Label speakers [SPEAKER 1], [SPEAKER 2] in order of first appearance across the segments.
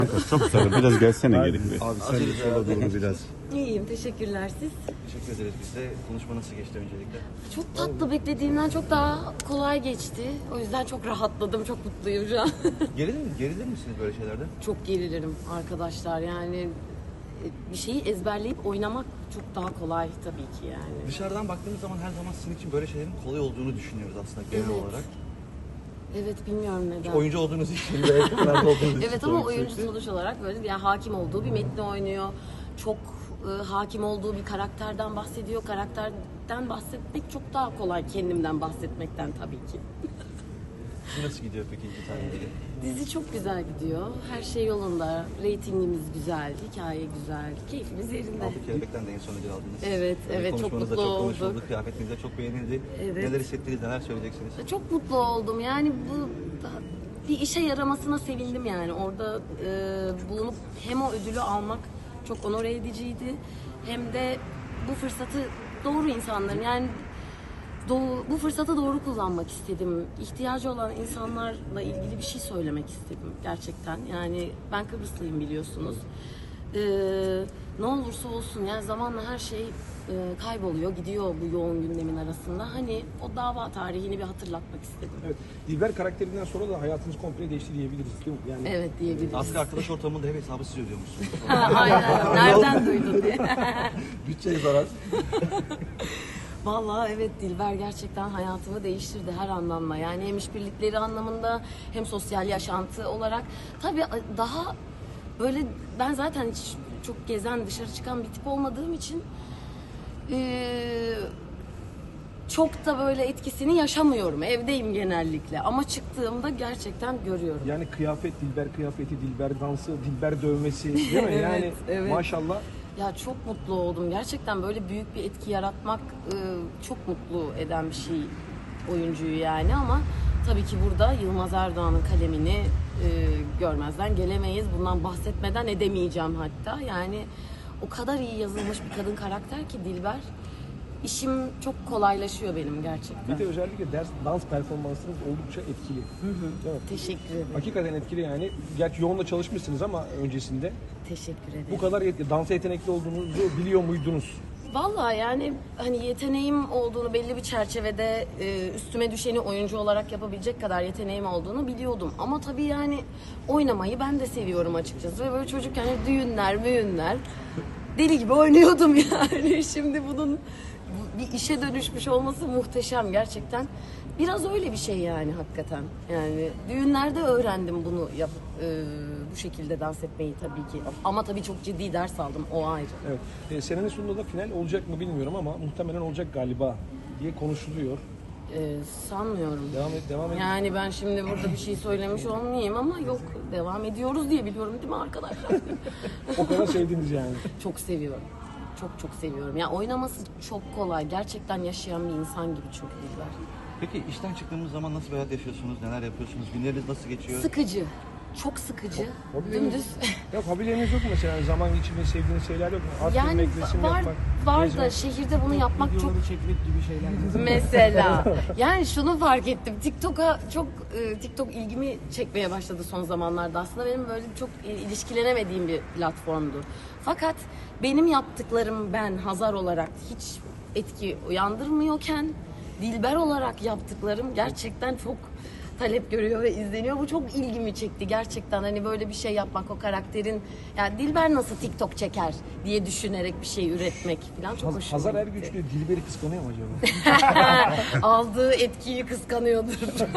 [SPEAKER 1] Çok sarı. Biraz gelsene geri.
[SPEAKER 2] Abi sen de sola doğru biraz.
[SPEAKER 3] İyiyim, teşekkürler siz.
[SPEAKER 4] Teşekkür ederiz biz de. Konuşma nasıl geçti öncelikle?
[SPEAKER 3] Çok tatlı, beklediğimden çok daha kolay geçti. O yüzden çok rahatladım, çok mutluyum şu an.
[SPEAKER 4] Gerilir misiniz böyle şeylerde?
[SPEAKER 3] Çok gerilirim arkadaşlar, yani bir şeyi ezberleyip oynamak çok daha kolay tabii ki yani.
[SPEAKER 4] Dışarıdan baktığımız zaman her zaman sizin için böyle şeylerin kolay olduğunu düşünüyoruz aslında genel
[SPEAKER 3] Evet.
[SPEAKER 4] olarak.
[SPEAKER 3] Evet, bilmiyorum neden.
[SPEAKER 4] Oyuncu olduğunuz için ve ekranlarda olduğunuz için.
[SPEAKER 3] Evet ama oyuncu sonuç olarak böyle yani hakim olduğu bir metni oynuyor. Çok hakim olduğu bir karakterden bahsediyor. Karakterden bahsetmek çok daha kolay kendimden bahsetmekten tabii ki.
[SPEAKER 4] Nasıl gidiyor peki iki tane ilgili?
[SPEAKER 3] Dizi çok güzel gidiyor. Her şey yolunda. Reytingimiz güzel, hikaye güzel, keyfimiz yerinde.
[SPEAKER 4] Altı Kelebek'ten de en son ödül aldınız.
[SPEAKER 3] Evet,
[SPEAKER 4] Tabii
[SPEAKER 3] evet, çok
[SPEAKER 4] konuşmanızda
[SPEAKER 3] mutlu
[SPEAKER 4] çok konuşuldu,
[SPEAKER 3] olduk.
[SPEAKER 4] kıyafetiniz de çok beğenildi.
[SPEAKER 3] Evet.
[SPEAKER 4] Neler hissettiniz, neler söyleyeceksiniz?
[SPEAKER 3] Çok mutlu oldum. Yani bu bir işe yaramasına sevindim yani. Orada bulunup hem o ödülü almak çok onore ediciydi. Hem de bu fırsatı doğru insanların yani bu fırsatı doğru kullanmak istedim. İhtiyacı olan insanlarla ilgili bir şey söylemek istedim gerçekten. Yani ben Kıbrıslıyım biliyorsunuz. Ne olursa olsun yani zamanla her şey kayboluyor, gidiyor bu yoğun gündemin arasında. Hani o dava tarihini bir hatırlatmak istedim.
[SPEAKER 5] Evet. Dilber karakterinden sonra da hayatınız komple değişti diyebiliriz değil mi? Yani
[SPEAKER 3] Evet diyebiliriz.
[SPEAKER 4] Aslında arkadaş ortamında hep hesabı siz ödüyormuşsunuz.
[SPEAKER 3] Aynen. Nereden duydun diye.
[SPEAKER 4] Bütçeye zarar.
[SPEAKER 3] Vallahi evet, Dilber gerçekten hayatımı değiştirdi her anlamda. Yani hem işbirlikleri anlamında hem sosyal yaşantı olarak. Tabii daha böyle ben zaten hiç çok gezen, dışarı çıkan bir tip olmadığım için çok da böyle etkisini yaşamıyorum. Evdeyim genellikle ama çıktığımda gerçekten görüyorum.
[SPEAKER 5] yani kıyafet, Dilber kıyafeti, Dilber dansı, Dilber dövmesi değil mi? Yani
[SPEAKER 3] Evet, evet.
[SPEAKER 5] maşallah.
[SPEAKER 3] Ya çok mutlu oldum. Gerçekten böyle büyük bir etki yaratmak çok mutlu eden bir şey oyuncuyu yani ama tabii ki burada Yılmaz Erdoğan'ın kalemini görmezden gelemeyiz. Bundan bahsetmeden edemeyeceğim hatta. Yani o kadar iyi yazılmış bir kadın karakter ki Dilber. İşim çok kolaylaşıyor benim gerçekten.
[SPEAKER 5] Bir de özellikle dans performansınız oldukça etkili. Değil mi?
[SPEAKER 3] Teşekkür ederim.
[SPEAKER 5] Hakikaten etkili yani. Gerçi yoğun da çalışmışsınız ama öncesinde.
[SPEAKER 3] Teşekkür ederim.
[SPEAKER 5] Bu kadar dansa yetenekli olduğunuzu biliyor muydunuz?
[SPEAKER 3] Vallahi yani hani yeteneğim olduğunu belli bir çerçevede üstüme düşeni oyuncu olarak yapabilecek kadar yeteneğim olduğunu biliyordum. Ama tabii yani oynamayı ben de seviyorum açıkçası. Ve böyle çocukken hani düğünler, müğünler deli gibi oynuyordum yani. Şimdi bunun bir işe dönüşmüş olması muhteşem gerçekten. Biraz öyle bir şey yani hakikaten. Yani düğünlerde öğrendim bunu bu şekilde dans etmeyi tabii ki. Ama tabii çok ciddi ders aldım, o ayrı.
[SPEAKER 5] Evet. Senenin sonunda da final olacak mı bilmiyorum ama muhtemelen olacak galiba diye konuşuluyor.
[SPEAKER 3] Sanmıyorum.
[SPEAKER 5] Devam et.
[SPEAKER 3] Yani ben şimdi burada bir şey söylemiş olmayayım ama yok, devam ediyoruz diye biliyorum değil mi arkadaşlar?
[SPEAKER 5] O kadar sevdiniz yani.
[SPEAKER 3] Çok seviyorum. Çok seviyorum. Ya oynaması çok kolay. Gerçekten yaşayan bir insan gibi çok güzel.
[SPEAKER 4] Peki işten çıktığımız zaman nasıl bir hayat yaşıyorsunuz, neler yapıyorsunuz, günleriniz nasıl geçiyor?
[SPEAKER 3] Sıkıcı. Çok sıkıcı.
[SPEAKER 5] Hobileriniz,
[SPEAKER 3] Dümdüz.
[SPEAKER 5] yok hobileriniz yok mu mesela? Zaman geçirmeyi sevdiğiniz şeyler yok mu? At
[SPEAKER 3] Yani
[SPEAKER 5] binmek, resim
[SPEAKER 3] var
[SPEAKER 5] yapmak,
[SPEAKER 3] da
[SPEAKER 5] gezmek.
[SPEAKER 3] şehirde bunu yapmak çok
[SPEAKER 5] Videoları çekmek gibi şeyler.
[SPEAKER 3] mesela. Yani şunu fark ettim. TikTok'a çok TikTok ilgimi çekmeye başladı son zamanlarda. Aslında benim böyle çok ilişkilenemediğim bir platformdu. Fakat benim yaptıklarım ben Hazar olarak hiç etki uyandırmıyorken Dilber olarak yaptıklarım gerçekten çok talep görüyor ve izleniyor. Bu çok ilgimi çekti gerçekten. Hani böyle bir şey yapmak, o karakterin yani Dilber nasıl TikTok çeker diye düşünerek bir şey üretmek falan çok hoşuma
[SPEAKER 5] Hazar
[SPEAKER 3] gitti.
[SPEAKER 5] Ergüçlü Dilber'i kıskanıyor mu acaba?
[SPEAKER 3] Aldığı etkiyi kıskanıyordur.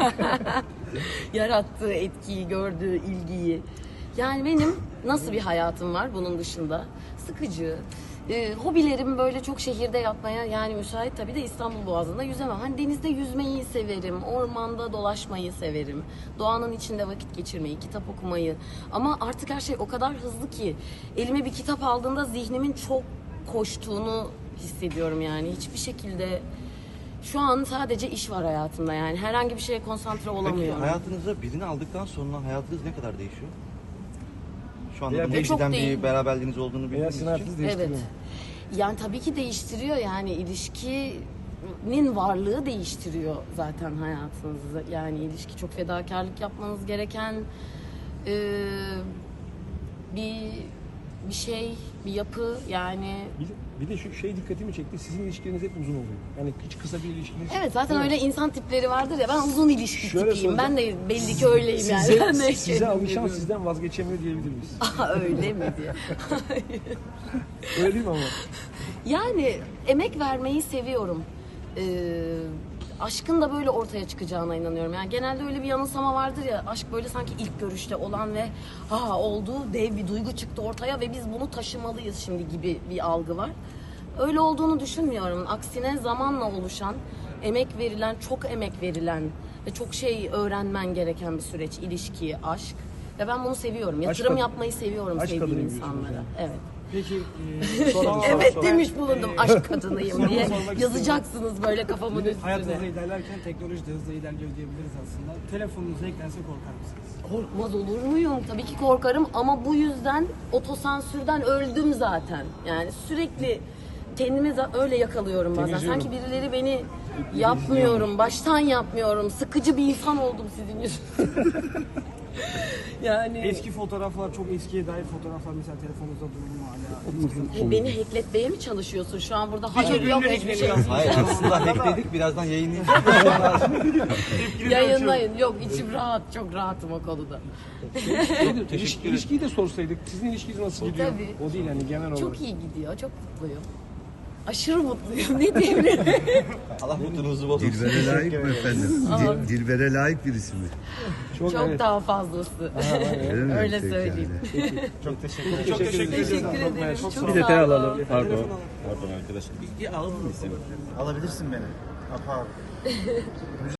[SPEAKER 3] Yarattığı etkiyi, gördüğü ilgiyi. Yani benim nasıl bir hayatım var bunun dışında? Sıkıcı. Hobilerim böyle çok şehirde yapmaya yani müsait tabii de İstanbul Boğazı'nda yüzemem. Hani denizde yüzmeyi severim, ormanda dolaşmayı severim. Doğanın içinde vakit geçirmeyi, kitap okumayı. Ama artık her şey o kadar hızlı ki elime bir kitap aldığımda zihnimin çok koştuğunu hissediyorum yani. Hiçbir şekilde şu an sadece iş var hayatımda yani. Herhangi bir şeye konsantre
[SPEAKER 4] Peki
[SPEAKER 3] olamıyorum.
[SPEAKER 4] hayatınıza birini aldıktan sonra hayatınız ne kadar değişiyor? Şu anda
[SPEAKER 5] Veya
[SPEAKER 4] bunun
[SPEAKER 3] çok
[SPEAKER 4] eskiden
[SPEAKER 3] değil.
[SPEAKER 4] bir beraberliğiniz olduğunu
[SPEAKER 5] Veya
[SPEAKER 4] bildiğiniz
[SPEAKER 5] sizin
[SPEAKER 4] için.
[SPEAKER 5] hayatınızı değiştiriyor
[SPEAKER 3] Evet.
[SPEAKER 5] mu?
[SPEAKER 3] Yani tabii ki değiştiriyor yani ilişkinin varlığı değiştiriyor zaten hayatınızı. Yani ilişki çok fedakarlık yapmanız gereken bir şey, bir yapı yani.
[SPEAKER 5] Bir de şu şey dikkatimi çekti. Sizin ilişkileriniz hep uzun oluyor. Yani hiç kısa bir ilişkiniz.
[SPEAKER 3] Evet zaten öyle insan tipleri vardır ya, ben uzun ilişki
[SPEAKER 5] Şöyle
[SPEAKER 3] tipiyim. Ben
[SPEAKER 5] soracağım.
[SPEAKER 3] de belli ki öyleyim yani. Ben de
[SPEAKER 5] Size alışan
[SPEAKER 3] kendimi
[SPEAKER 5] sizden vazgeçemiyor diyebilir miyiz?
[SPEAKER 3] Aa, öyle mi diye.
[SPEAKER 5] Öyle değil mi ama?
[SPEAKER 3] Yani emek vermeyi seviyorum. Aşkın da böyle ortaya çıkacağına inanıyorum. Yani genelde öyle bir yanılsama vardır ya, aşk böyle sanki ilk görüşte olan ve ha oldu, dev bir duygu çıktı ortaya ve biz bunu taşımalıyız şimdi gibi bir algı var. Öyle olduğunu düşünmüyorum. Aksine zamanla oluşan, emek verilen, çok emek verilen ve çok şey öğrenmen gereken bir süreç, ilişki, aşk. Ve ben bunu seviyorum. Yatırım
[SPEAKER 5] kadın-
[SPEAKER 3] yapmayı seviyorum
[SPEAKER 5] aşk
[SPEAKER 3] sevdiğim
[SPEAKER 5] kadınıyım diyorsunuz
[SPEAKER 3] insanlara.
[SPEAKER 5] yani.
[SPEAKER 3] Evet.
[SPEAKER 6] Peki
[SPEAKER 3] Evet demiş bulundum aşk kadınıyım diye.
[SPEAKER 6] sormak
[SPEAKER 3] Yazacaksınız böyle kafamın
[SPEAKER 6] hayatınızda
[SPEAKER 3] üstüne.
[SPEAKER 6] ilerlerken teknoloji de hızla ilerliyor diyebiliriz aslında. Telefonunuza eklense korkar mısınız?
[SPEAKER 3] Korkmaz olur muyum? Tabii ki korkarım ama bu yüzden otosansürden öldüm zaten. Yani sürekli kendimi öyle yakalıyorum bazen.
[SPEAKER 5] Temizliyorum.
[SPEAKER 3] Sanki birileri beni yapmıyorum, baştan yapmıyorum. Sıkıcı bir insan oldum sizin yüzünüzden. Yani
[SPEAKER 6] Eski fotoğraflar, çok eskiye dair fotoğraflar mesela telefonunuzda durur mu hala?
[SPEAKER 3] beni hackletmeye mi çalışıyorsun şu an burada? Hayır
[SPEAKER 6] ünlü
[SPEAKER 3] yok hiçbir şey.
[SPEAKER 6] hackleniyor.
[SPEAKER 4] Hayır aslında hackledik, birazdan yayınlayacağız.
[SPEAKER 3] Yayınlayın. Yok içim rahat, çok rahatım o konuda.
[SPEAKER 5] İlişkiyi de sorsaydık. Sizin ilişkiniz nasıl gidiyor?
[SPEAKER 3] Tabii.
[SPEAKER 5] O değil yani genel olarak.
[SPEAKER 3] Çok iyi gidiyor, çok mutluyum. Aşırı mutluyum. Ne diyebilirim?
[SPEAKER 4] Allah mutluluğunuzu bozmasın.
[SPEAKER 2] Dilber'e layık mı efendim? Dilber'e layık birisi mi?
[SPEAKER 5] Çok,
[SPEAKER 3] Çok
[SPEAKER 5] evet.
[SPEAKER 3] daha fazlası.
[SPEAKER 2] Öyle mi?
[SPEAKER 3] Öyle
[SPEAKER 2] Peki
[SPEAKER 3] söyleyeyim.
[SPEAKER 2] yani.
[SPEAKER 5] Çok teşekkür ederim.
[SPEAKER 3] Teşekkür ederim. Çok
[SPEAKER 1] Bir
[SPEAKER 3] sağ
[SPEAKER 1] detay
[SPEAKER 3] olun.
[SPEAKER 1] alalım. Pardon. Pardon arkadaşım.
[SPEAKER 2] Alabilirsin beni. Apa.